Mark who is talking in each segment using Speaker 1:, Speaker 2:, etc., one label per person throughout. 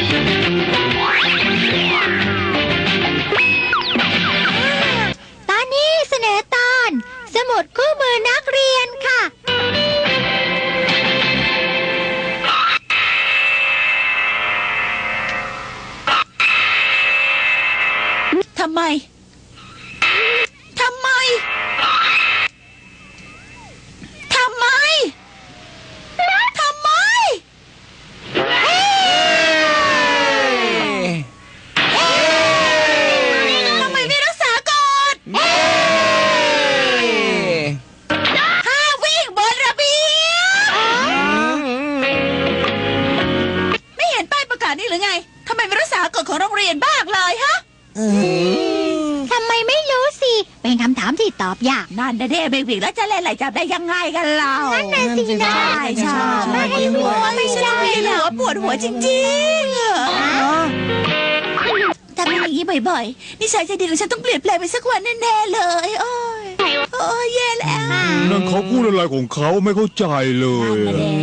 Speaker 1: ตอนนี้เสนอตอนสมุดคู่มือนักเรียนค่ะ
Speaker 2: ทำไมไม่รักษากฎห้ามวิ่งบนระเบียงไม่เห็นป้ายประกาศนี่หรือไงทำไมไม่รักษากฎของโรงเรียนบ้างเลยฮะ
Speaker 1: ทำไมไม่รู้สิเป็นคำถามที่ตอบยาก
Speaker 2: นั่นนะเด้ไม่วิ่งแล้วจะเล่นอะไรจับได้ยังไงกันเรา
Speaker 1: นั่นน่ะสินะ
Speaker 2: ใช่
Speaker 1: ไม่ให้หัวไม่ใช่
Speaker 2: เหรอปวดหัวจริงๆทำอย่างนี้บ่อยๆนิสัยใจดีของฉันต้องเปลี่ยนแปลงไปสักวันแน่ๆเลยโอ้ยแย่แล้ว
Speaker 3: นั่นเขาพูดอะไรของเขาไม่เข้าใจเลย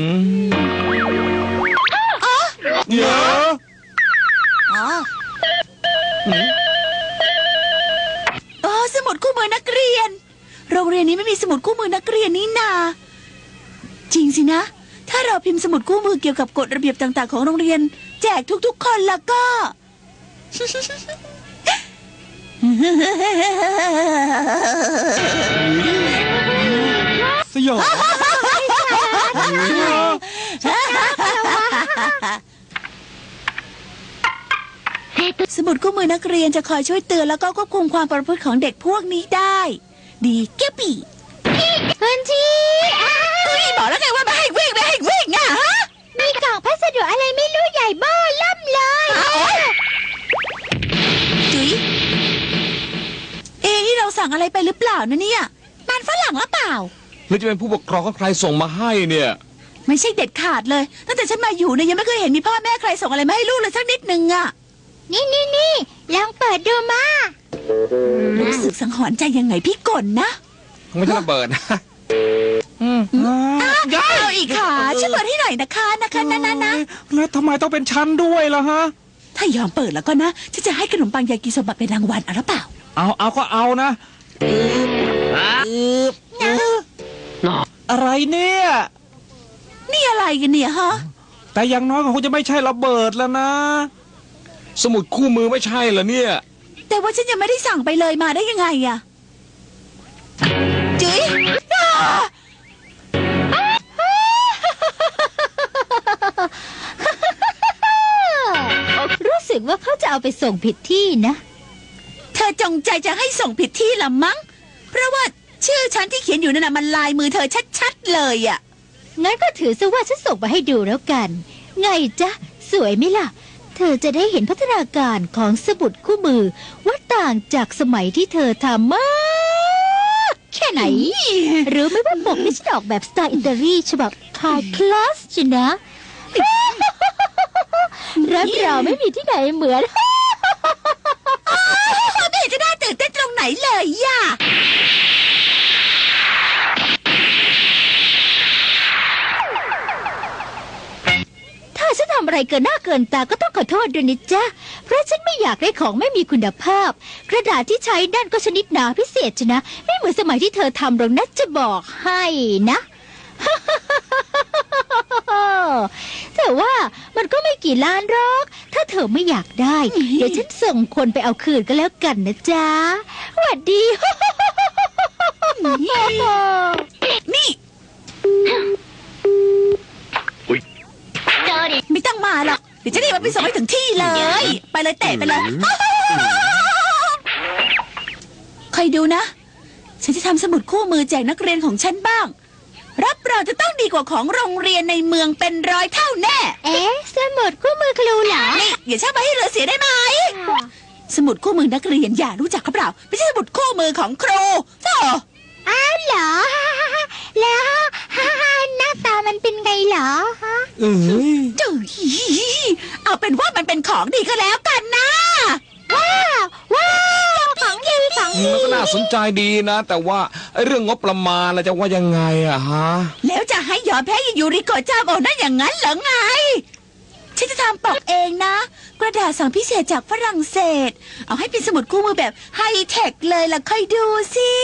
Speaker 3: เดี๋ยว
Speaker 2: สมุดคู่มือนักเรียนโรงเรียนนี้ไม่มีสมุดคู่มือนักเรียนนี่นาจริงสินะถ้าเราพิมพ์สมุดคู่มือเกี่ยวกับกฎระเบียบต่างๆของโรงเรียนแจกทุกๆคนแล้วก็
Speaker 3: สยอง
Speaker 2: สมุดคู่มือนักเรียนจะคอยช่วยเตือนแล้วก็ควบคุมความประพฤติของเด็กพวกนี้ได้ดีแก่ปี
Speaker 1: คุณชี
Speaker 2: บอกแล้วไงว่าไม่ให้วิ่งอ่ะฮะ
Speaker 1: มีกล่องพัสดุอะไรไม่รู้ใหญ่เบ้อล่ำเลย
Speaker 2: จุ๋ยนี่เราสั่งอะไรไปหรือเปล่านะเนี่ยมันฝรั่งหรือเปล่า
Speaker 4: หรือจะเป็นผู้ปกครองของใครส่งมาให้เนี่ย
Speaker 2: ไม่ใช่เด็ดขาดเลยตั้งแต่ฉันมาอยู่เนี่ยยังไม่เคยเห็นมีพ่อแม่ใครส่งอะไรมาให้ลูกเลยสักนิดนึงอ่ะ
Speaker 1: นี่ลองเปิดดูมา
Speaker 2: รู้สึกสังหรณ์ใจยังไงพี่กลนะ
Speaker 4: ไม่ใช่ระเบิดนะ
Speaker 2: เอาอีกค่ะช่วยเปิดให้หน่อยนะคะนะ
Speaker 3: แล้วทำไมต้องเป็นชั้นด้วยล่ะฮะ
Speaker 2: ถ้ายอมเปิดแล้วก็นะฉันจะให้ขนมปังยากิโซบะเป็นรางวัลเอาหรือเปล่า
Speaker 3: เอาก็เอานะอะไรเนี่ย
Speaker 2: นี่อะไรกันเนี่ยฮะ
Speaker 3: แต่อย่างน้อยก็คงจะไม่ใช่ระเบิดแล้วนะ
Speaker 4: สมุดคู่มือไม่ใช่เหรอเนี่ย
Speaker 2: แต่ว่าฉันยังไม่ได้สั่งไปเลยมาได้ยังไงอะจุ๋ย
Speaker 1: รู้สึกว่าเขาจะเอาไปส่งผิดที่นะ
Speaker 2: เธอจงใจจะให้ส่งผิดที่ละมั้งเพราะว่าชื่อฉันที่เขียนอยู่นั่นน่ะมันลายมือเธอชัดๆเลยอะ
Speaker 1: งั้นก็ถือซะว่าฉันส่งมาให้ดูแล้วกันไงจ๊ะสวยไหมล่ะเธอจะได้เห็นพัฒนาการของสมุดคู่มือว่าต่างจากสมัยที่เธอทำมากแค่ไหนหรือไม่ว่าปกนี่ฉันออกแบบสไตล์อิตาลีฉบับไฮคลาสจินะรับรองไม่มีที่ไหนเหมือน
Speaker 2: ไม่เห็นจะน่าตื่นเต้นตรงไหนเลยย่ะ
Speaker 1: ฉันทำอะไรเกินหน้าเกินตาก็ต้องขอโทษด้วยนะจ๊ะเพราะฉันไม่อยากได้ของไม่มีคุณภาพกระดาษที่ใช้นั่นก็ชนิดหนาพิเศษชนะไม่เหมือนสมัยที่เธอทำหรอกนะจะบอกให้นะ แต่ว่ามันก็ไม่กี่ล้านหรอกถ้าเธอไม่อยากได้เดี๋ยวฉันส่งคนไปเอาคืนก็แล้วกันนะจ๊ะสวัสดี
Speaker 2: นี่ไม่ต้องมาหรอกเดี๋ยวจะรีบไปส่งให้ถึงที่เลยไปเลยเตะไปเลยใครดูนะฉันจะทำสมุดคู่มือแจกนักเรียนของฉันบ้างรับรองจะต้องดีกว่าของโรงเรียนในเมืองเป็น100 เท่าแน่
Speaker 1: สมุดคู่มือครูเหรอ
Speaker 2: นี่อย่าช่างมาให้เหลือเสียได้ไหมสมุดคู่มือนักเรียนอย่ารู้จักครับเปล่าไม่ใช่สมุดคู่มือของครูเจ้า
Speaker 1: เหรอแล้วหน้าตามันเป็นไงเหรอ
Speaker 2: จื้อเอาเป็นว่ามันเป็นของดีก็แล้วกันนะ
Speaker 1: ว้าวของดี
Speaker 4: มันก็น่าสนใจดีนะแต่ว่าเรื่องงบประมาณเราจะว่ายังไงอะฮะ
Speaker 2: แล้วจะให้ยอมแพ้ยูริโกะเจ้าโอนั่นอย่างนั้นเหรอไงฉันจะทำปกเองนะกระดาษสั่งพิเศษจากฝรั่งเศส เอาให้เป็นสมุดคู่มือแบบไฮเทคเลยล่ะค่อยดูสิ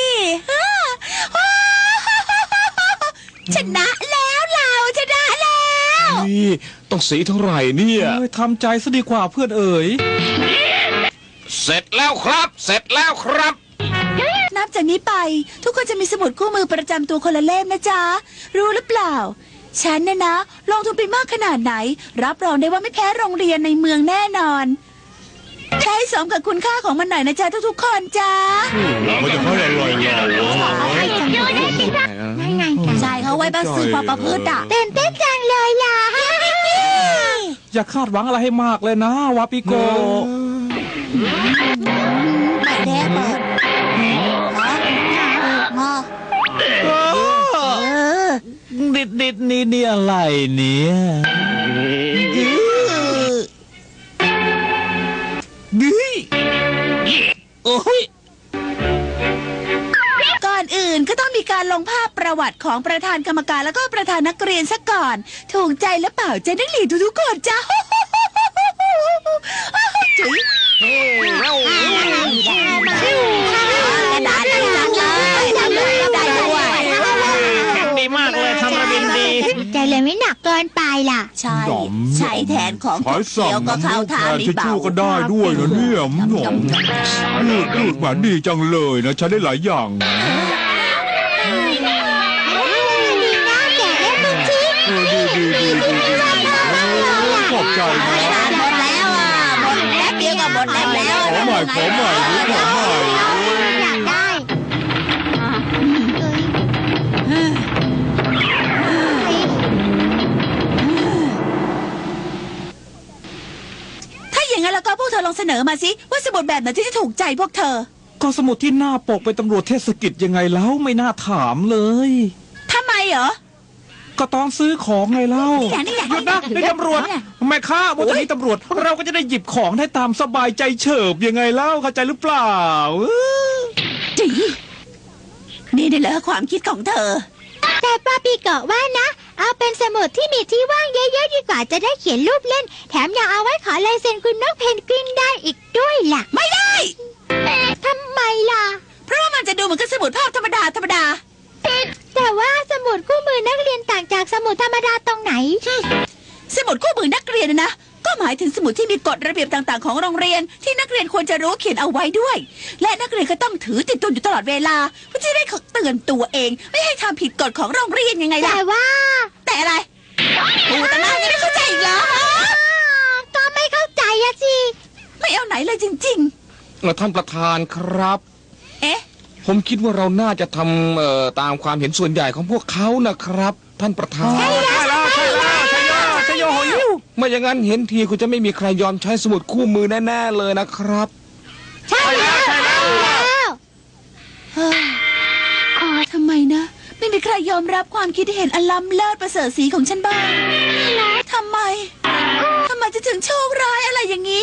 Speaker 2: ชนะแล้วเราชนะแล้ว
Speaker 4: นี่ต้องสีเท่าไหร่เนี่ย
Speaker 3: เอ้ยทำใจซะดีกว่าเพื่อนเอ๋ย
Speaker 4: เสร็จแล้วครับ เสร็จแล้วครับ
Speaker 2: นับจากนี้ไป ทุกคนจะมีสมุดคู่มือประจำตัวคนละเล่มนะจ๊ะ รู้หรือเปล่า ฉันเนี่ยนะ ลงทุนไปมากขนาดไหน รับรองได้ว่าไม่แพ้โรงเรียนในเมืองแน่นอนใช้สมกับคุณค่าของมันหน่อยนะจ๊ะทุกๆคนจ้า
Speaker 5: มันจะเท่าไหร่เรา
Speaker 2: ใช่เขาไว้บ้าซื้อความประพฤติอ่ะ
Speaker 1: ตื่นเต้นจังเลยล่ะ
Speaker 3: อย่าคาดหวังอะไรให้มากเลยนะวาปิโก
Speaker 2: ไม่แน่เปิด
Speaker 3: ดิดนี่อะไรเนี่ยโอ้ย
Speaker 2: ก่อนอื่นก็ต้องมีการลงภาพประวัติของประธานกรรมการแล้วก็ประธานนักเรียนซะก่อน ถูกใจหรือเปล่าใจนักเรียนทุกๆคนจ้าจุ๋ยกระดาษจังเลยได้ด้วย
Speaker 3: ดีมากเลยทำระบินดี
Speaker 1: ใจเลยไม่หนักเกินไปล่ะ
Speaker 2: ใช่ใช้แทนของ
Speaker 5: ขายสั่ง
Speaker 2: เขียวก็เข้าทาง
Speaker 5: ทิชชู่ก็ได้ด้วยนะเนี่ยหนอมยืดเหมือนดีจังเลยนะใช้ได้หลายอย่างนะ
Speaker 1: ดีนะแกะได้ทุกชิ้น
Speaker 5: ดีขอบใจนะ
Speaker 2: หมดแล้วอ่ะหมดแป๊บเดียวก็หมดแล้ว
Speaker 5: ขอใหม่ขอใหม่ขอใหม่
Speaker 1: อยากได้
Speaker 2: ถ้าอย่างนั้นแล้วก็พวกเธอลองเสนอมาสิว่าสมุดแบบไหนที่จะถูกใจพวกเธอ
Speaker 3: ก็สมุดที่หน้าปกเป็นตำรวจเทศกิจยังไงแล้วไม่น่าถามเลย
Speaker 2: ทำไมเหรอ
Speaker 3: ก็ตอนซื้อของไงเล่า
Speaker 2: นี่แหละ
Speaker 3: หยุดนะนี่ตำรวจแม่ค้าบนนี้ตำรวจ เราก็จะได้หยิบของได้ตามสบายใจเฉิบยังไงเล่าเข้าใจหรือเปล่า
Speaker 2: จีนี่ได้เหรอความคิดของเธอ
Speaker 1: แต่ป้าปีเกาะว่านะ เอาเป็นสมุดที่มีที่ว่างเยอะๆดีกว่าจะได้เขียนรูปเล่น แถมยังเอาไว้ขอลายเซ็นคุณนกเพนกวินได้อีกด้วยล่ะ
Speaker 2: ไม่ได้
Speaker 1: ทำไมล่ะ
Speaker 2: เพราะว่ามันจะดูเหมือนกับสมุดภาพธรรมดา
Speaker 1: แต่ว่าสมุดคู่มือนักเรียนต่างจากสมุดธรรมดาตรงไหน
Speaker 2: สมุดคู่มือนักเรียนนะ ก็หมายถึงสมุดที่มีกฎระเบียบต่างๆของโรงเรียน ที่นักเรียนควรจะรู้เขียนเอาไว้ด้วย และนักเรียนก็ต้องถือติดตัวอยู่ตลอดเวลาเพื่อจะได้เตือนตัวเอง ไม่ให้ทำผิดกฎของโรงเรียนยังไงล่ะ
Speaker 1: แต่ว่า
Speaker 2: แต่อะไรพูดแต่หน้ายังไม่เข้าใจอีกเหรอ
Speaker 1: ก็ไม่เข้าใจอะสิ
Speaker 2: ไม่เอาไหนเลยจริง
Speaker 4: ท่านประธานครับ
Speaker 2: ๆ เอ๊ะ
Speaker 4: ผมคิดว่าเราน่าจะทำตามความเห็นส่วนใหญ่ของพวกเขานะครับ ท่านประธาน
Speaker 3: ใช่แล้วใช่โยโหยิว
Speaker 4: ไม่อย่างนั้นเห็นทีคุณจะไม่มีใครยอมใช้สมุดคู่มือแน่ๆเลยนะครับ
Speaker 1: ใช่แล้วใช่แล้ว
Speaker 2: อ๋อทำไมนะ ไม่มีใครยอมรับความคิดเห็นอันล้ำเลิศประเสริฐสีของฉันบ้างทำไมจะถึงโชคร้ายอะไรอย่างนี้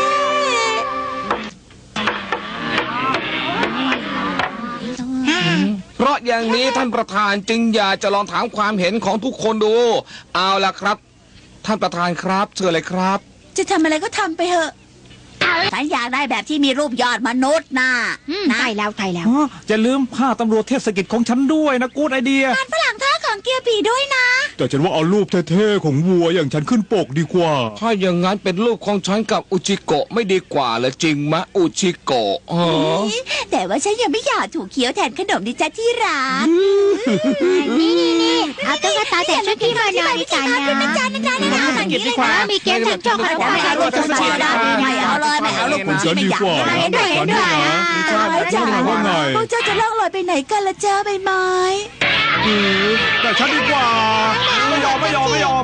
Speaker 4: เพราะอย่างนี้ท่านประธานจึงอยากจะลองถามความเห็นของทุกคนดู เอาล่ะครับ ท่านประธานครับเชิญเลยครับ
Speaker 2: จะทำอะไรก็ทำไปเถอะฉันอยากได้แบบที่มีรูปยอดมนุษย์นะ
Speaker 1: ใช่แล้วใช่แล้ว
Speaker 3: จะลืมผ้าตำรวจเทศกิจของฉันด้วยนะกูดไอเดีย
Speaker 2: ฝรั่งท่าของเกียร์ผีด้วยนะ
Speaker 5: แต่ฉันว่าเอารูปเท่ๆของวัวอย่างฉันขึ้นปกดีกว่า
Speaker 4: ถ้าอย่างนั้นเป็นรูปของฉันกับอุจิโกะไม่ดีกว่าเหรอจริงมะอุจิโกะอ๋อ
Speaker 2: แต่ว่าฉันยังไม่อยากถูกเคี้ยวแทนขนมดิจ้าที่รัก
Speaker 1: นี่เอาตุ๊กตาแต่ชุดที่มานอนดีกันนะ มีเกมแข่งโชคขนมปังด้วยตุ๊กตา
Speaker 2: ไม่เอาเลยไม่เอาลูก
Speaker 5: ผมฉันดีกว่านะผมฉันดีนะ
Speaker 2: จ้า
Speaker 5: ว่าไง
Speaker 2: พวกเจ้าจะล่องลอยไปไหนกันละจ้าใบไม้
Speaker 3: แต่ฉันดีกว่า ไม่ยอม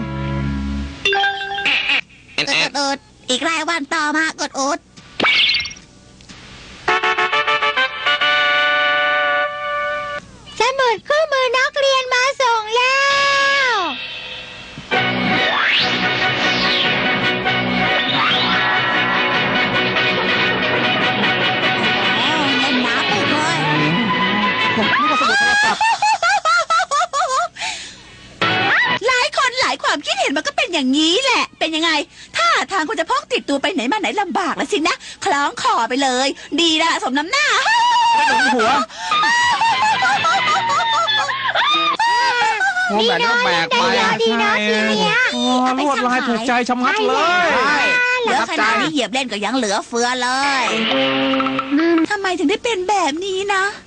Speaker 2: อุดอีกรายวันต่อมากดอุด
Speaker 1: สมุดคู่มือนักเรียนมาส่งแล้ว
Speaker 2: เล่นน้ำปุกเลย
Speaker 3: ผมนึกว่าสมุดโทรศัพท์
Speaker 2: หลายคนหลายความคิดเห็นมันก็เป็นอย่างนี้แหละ เป็นยังไง ถ้าทางคงจะพกติดตัวไปไหนมาไหนลำบากแล้วสินะ คล้องคอไปเลย ดีละสมน้ำหน้า
Speaker 3: หัว
Speaker 4: หัวแบกก็แบกไป
Speaker 1: ดีนะทีเนี้ย
Speaker 3: โอ้ลวดลายถูกใจชะมัดเลย
Speaker 2: เหลือขนาดนี้เหยียบเล่นก็ยังเหลือเฟือเลยทำไมถึงได้เป็นแบบนี้นะ